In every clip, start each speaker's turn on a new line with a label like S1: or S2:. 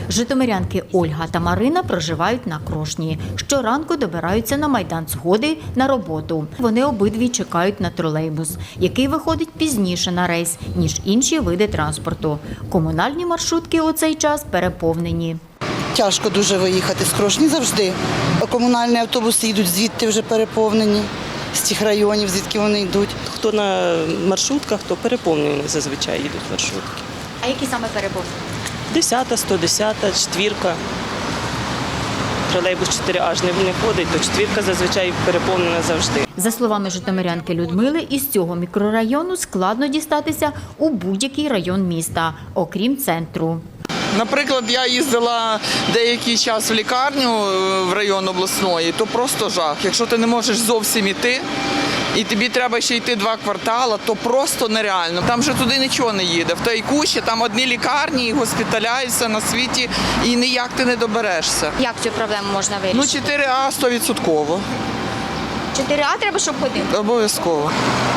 S1: Житомирянки Ольга та Марина проживають на Крошні. Щоранку добираються на Майдан Згоди на роботу. Вони обидві чекають на тролейбус, який виходить пізніше на рейс, ніж інші види транспорту. Комунальні маршрутки у цей час переповнені.
S2: Тяжко дуже виїхати з Крошні завжди. Комунальні автобуси йдуть звідти вже переповнені, з тих районів, звідки вони йдуть.
S3: Хто на маршрутках, то переповнені зазвичай їдуть маршрутки.
S1: А які саме переповнені?
S3: 10-та, 110-та, четвірка. Тролейбус 4Аж не ходить, то четвірка зазвичай переповнена завжди.
S1: За словами житомирянки Людмили, із цього мікрорайону складно дістатися у будь-який район міста, окрім центру.
S4: Наприклад, я їздила деякий час в лікарню в район обласної, то просто жах. Якщо ти не можеш зовсім іти, і тобі треба ще йти 2 квартали, то просто нереально. Там вже туди нічого не їде. В той кущі там одні лікарні, і госпіталя, і все на світі, і ніяк ти не доберешся.
S1: Як цю проблему можна
S4: Ну,
S1: вирішити?
S4: 4А 100%.
S1: 4А треба, щоб ходити?
S4: Обов'язково.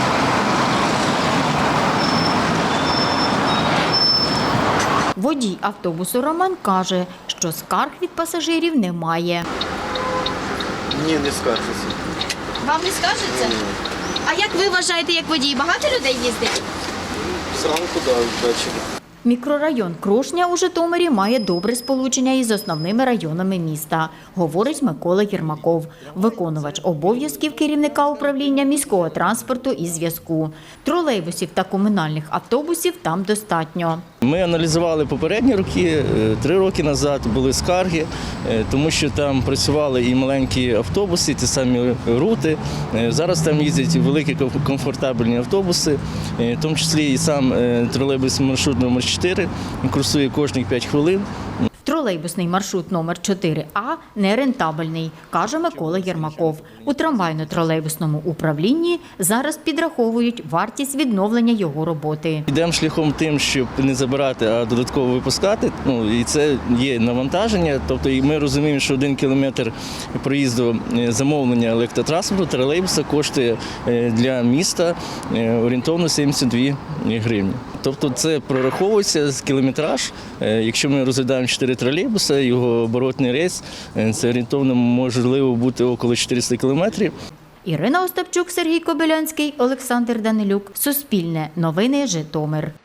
S1: Водій автобусу Роман каже, що скарг від пасажирів немає.
S5: Ні, не скаржуся.
S6: Вам не скажеться? А як ви вважаєте, як водій? Багато людей їздить?
S5: Зранку, да, ввечері.
S1: Мікрорайон Крошня у Житомирі має добре сполучення із основними районами міста, говорить Микола Єрмаков, виконувач обов'язків керівника управління міського транспорту і зв'язку. Тролейбусів та комунальних автобусів там достатньо.
S7: Ми аналізували попередні роки, 3 роки назад були скарги, тому що там працювали і маленькі автобуси, ті самі рути. Зараз там їздять великі комфортабельні автобуси, в тому числі і сам тролейбус маршрут номер 4, курсує кожні 5 хвилин.
S1: Тролейбусний маршрут номер 4А нерентабельний, каже Микола Єрмаков. У трамвайно-тролейбусному управлінні зараз підраховують вартість відновлення його роботи.
S7: Йдемо шляхом тим, щоб не забирати, а додатково випускати. І це є навантаження. Тобто ми розуміємо, що 1 кілометр проїзду замовлення електротранспорту тролейбуса коштує для міста орієнтовно 72 гривні. Тобто це прораховується з кілометраж. Якщо ми розглядаємо 4 тролейбуси, його оборотний рейс, це орієнтовно можливо бути около 400 кілометрів.
S1: Ірина Остапчук, Сергій Кобилянський, Олександр Данилюк. Суспільне. Новини Житомир.